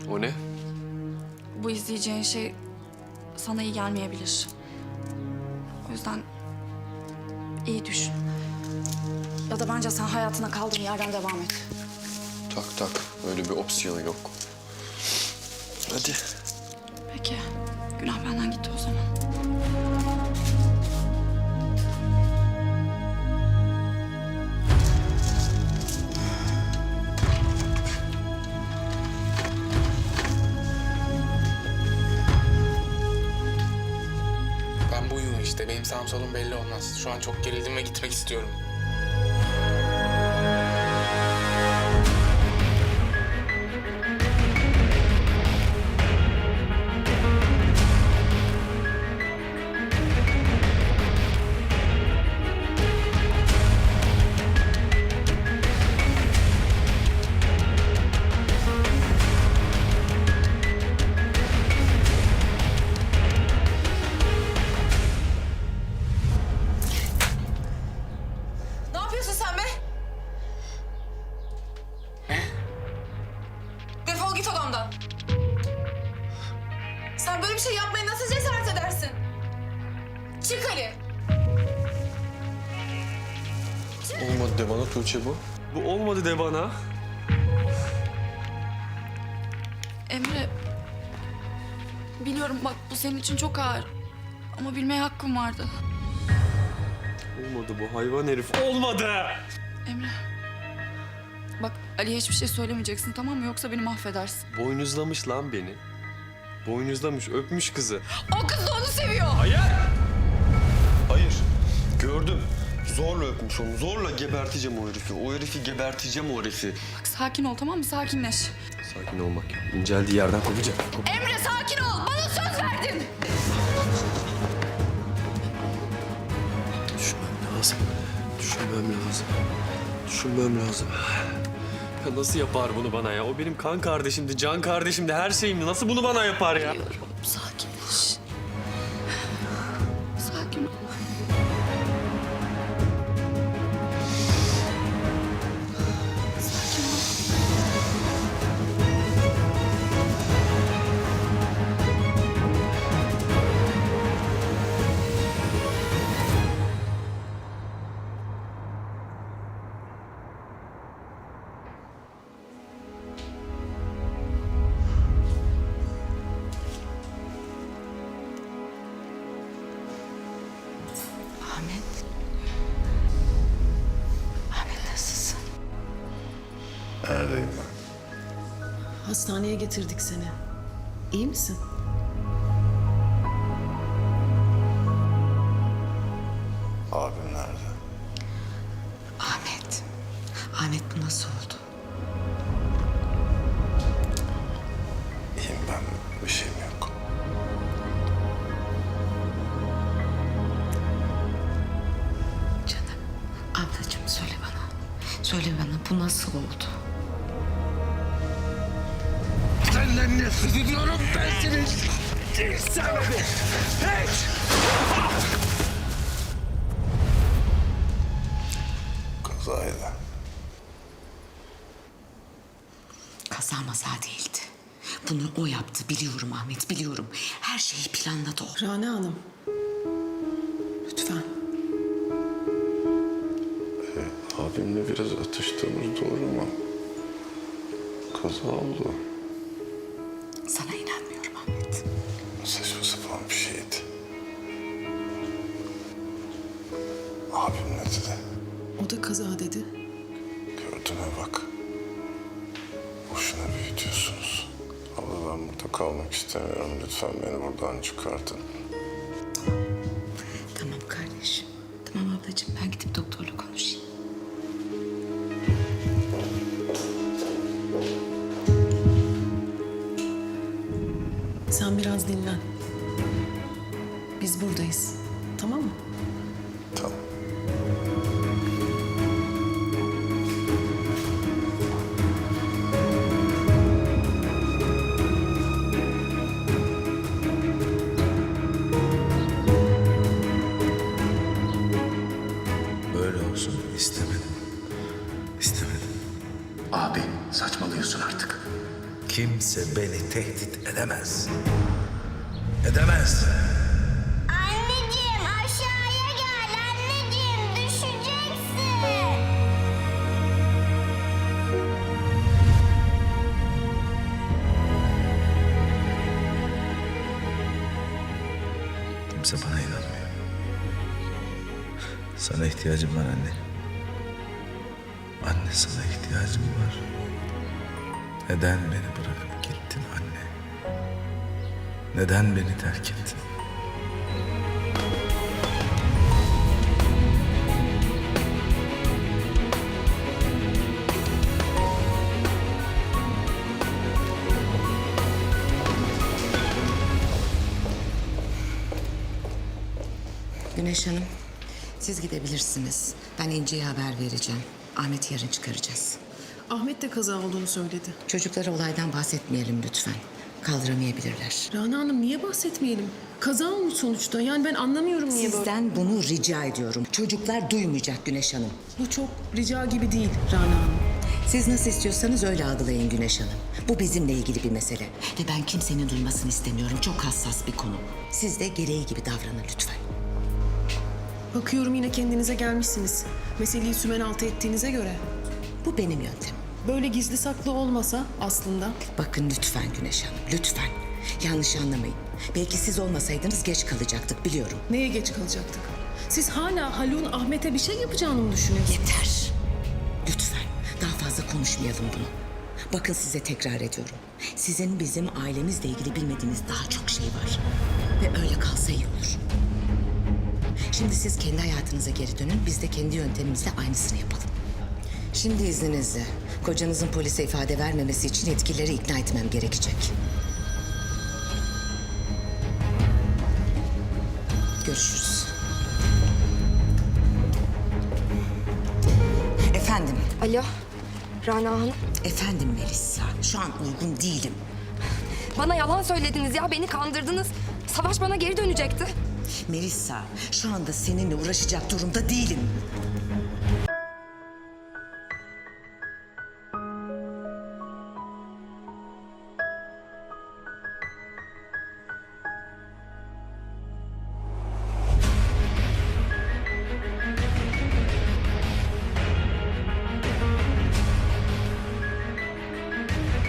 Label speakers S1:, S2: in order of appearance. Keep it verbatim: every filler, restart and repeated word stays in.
S1: O ne?
S2: Bu izleyeceğin şey sana iyi gelmeyebilir. O yüzden iyi düşün. Ya da bence sen hayatına kaldığın yerden devam et.
S1: Tak tak. Öyle bir opsiyonu yok. Hadi.
S2: Peki. Günah benden gitti o zaman.
S3: Ben buyum işte. Benim sağım solum belli olmaz. Şu an çok gerildim ve gitmek istiyorum.
S4: Ne yapıyorsun sen be?
S3: Ne?
S4: Defol git odamdan. Sen böyle bir şey yapmaya nasıl cesaret edersin? Çık Ali.
S1: Olmadı de bana Tuğçe bu. Bu olmadı de bana.
S2: Emre, biliyorum bak bu senin için çok ağır. Ama bilmeye hakkım vardı.
S1: Olmadı bu hayvan herif. Olmadı!
S2: Emre, bak Ali'ye hiçbir şey söylemeyeceksin tamam mı? Yoksa beni mahvedersin.
S1: Boynuzlamış lan beni. Boynuzlamış, öpmüş kızı.
S2: O kız da onu seviyor.
S1: Hayır! Hayır. Gördüm. Zorla öpmüş onu. Zorla geberteceğim o herifi. O herifi geberteceğim o herifi.
S2: Bak sakin ol tamam mı? Sakinleş.
S1: Sakin olmak yok. İnceldiği yerden kopacak. Kop-
S2: Emre sakin ol. Bana söz verdin.
S1: Düşünmem lazım. Düşünmem lazım. Düşünmem lazım. Ya nasıl yapar bunu bana ya? O benim kan kardeşimdi, can kardeşimdi, her şeyimdi. Nasıl bunu bana yapar ya?
S2: Biliyorum. Sakinleş. Sakin ol. Sakin ol. Ahmet. Ahmet nasılsın?
S5: Neredeyim ben?
S6: Hastaneye getirdik seni. İyi misin?
S5: Abim nerede?
S6: Ahmet. Ahmet bu nasıl oldu?
S5: İyiyim ben. Bir şeyim yok.
S6: Canım. Ablacığım söyle bana. Söyle bana bu nasıl oldu?
S5: Senden nefret ediyorum ben seni. Sen beni. Hiç. Kazaydı.
S6: Kaza maza değildi. Bunu o yaptı biliyorum Ahmet biliyorum. Her şeyi planladı o. Rana Hanım. Lütfen.
S5: Abimle biraz atıştığımız doğru mu? Kaza oldu.
S6: Sana inanmıyorum Ahmet.
S5: Saçma sapan bir şeydi. Abim ne dedi?
S6: O da kaza dedi.
S5: Gördün mü bak. Boşuna büyütüyorsunuz. Abla ben burada kalmak istemiyorum. Lütfen beni buradan çıkartın.
S6: Tamam kardeşim. Tamam ablacığım ben gidip doktorla konuşayım. Sen biraz dinlen. Biz buradayız. Tamam mı?
S5: Tamam.
S7: Böyle olsun istemedim. İstemedim.
S8: Abi saçmalıyorsun artık.
S7: kimse beni tehdit edemez. Edemez.
S8: Anneciğim aşağıya gel anneciğim düşeceksin.
S7: Kimse bana inanmıyor. Sana ihtiyacım var anne. Anne sana ihtiyacım var. Neden beni bırakıp gittin anne? Neden beni terk ettin?
S6: Güneş Hanım, siz gidebilirsiniz. Ben İnci'ye haber vereceğim. Ahmet'i yarın çıkaracağız.
S9: Ahmet de kaza olduğunu söyledi.
S6: Çocuklara olaydan bahsetmeyelim lütfen. Kaldıramayabilirler.
S9: Rana Hanım niye bahsetmeyelim? Kaza olmuş sonuçta. Yani ben anlamıyorum niye böyle.
S6: Sizden bunu rica ediyorum. Çocuklar duymayacak Güneş Hanım.
S9: Bu çok rica gibi değil Rana Hanım.
S6: Siz nasıl istiyorsanız öyle algılayın Güneş Hanım. Bu bizimle ilgili bir mesele. Ve ben kimsenin duymasını istemiyorum. Çok hassas bir konu. Siz de gereği gibi davranın lütfen.
S9: Bakıyorum yine kendinize gelmişsiniz. Meseleyi sümen altı ettiğinize göre.
S6: Bu benim yöntemim.
S9: Böyle gizli saklı olmasa aslında.
S6: Bakın lütfen Güneş Hanım, lütfen. Yanlış anlamayın. Belki siz olmasaydınız geç kalacaktık biliyorum.
S9: Neye geç kalacaktık? Siz hala Haluk'un Ahmet'e bir şey yapacağını mı düşünüyorsunuz?
S6: Yeter. Lütfen daha fazla konuşmayalım bunu. Bakın size tekrar ediyorum. Sizin bizim ailemizle ilgili bilmediğiniz daha çok şey var. Ve öyle kalsa iyi olur. Şimdi siz kendi hayatınıza geri dönün. Biz de kendi yöntemimizle aynısını yapalım. Şimdi izninizle. Kocanızın polise ifade vermemesi için yetkilileri ikna etmem gerekecek. Görüşürüz. Efendim,
S10: Alo, Rana Hanım.
S6: efendim Melisa. Şu an uygun değilim.
S10: Bana yalan söylediniz ya, beni kandırdınız. Savaş bana geri dönecekti.
S6: Melisa, şu anda seninle uğraşacak durumda değilim.